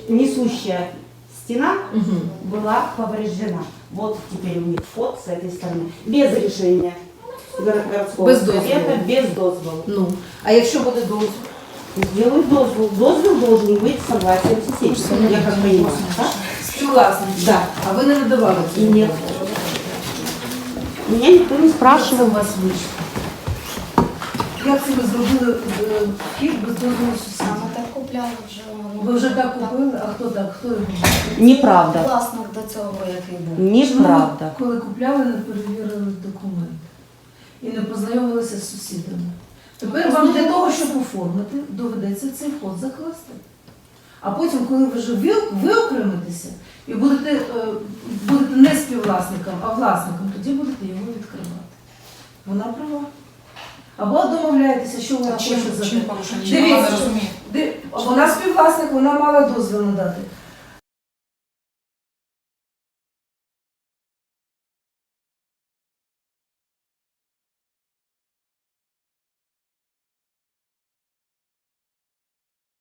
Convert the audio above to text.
несущая стена была повреждена. Вот теперь у них вход с этой стороны. Без решения городского Без совета, дозволу. без дозволу. Ну, а якщо буде дозвіл? Сделают дозвол. Дозвол должен быть согласием соседей. Я как понимаю, да? Співвласник. Да. А ви не надавали цього? Нет. Меня никто не спрашивал. У вас вийшло. Як це ви зробили вхід без дозволу сусідів? Саме так купляли вже. Ви вже так купили? А хто так? Хто його? Неправда. Власник до цього, який був. Неправда. Чому ви, коли купляли, не перевірили документи і не познайомилися з сусідами? Тепер вам для того, щоб оформити, доведеться цей вход закласти. А потім, коли ви вже виокремитеся і будете не співвласником, а власником, тоді будете його відкривати. Вона права. Або домовляєтеся, що вона хоче Чим зробити. порушення? Дивіться, Я не розумію. вона співвласник, вона мала дозвіл надати.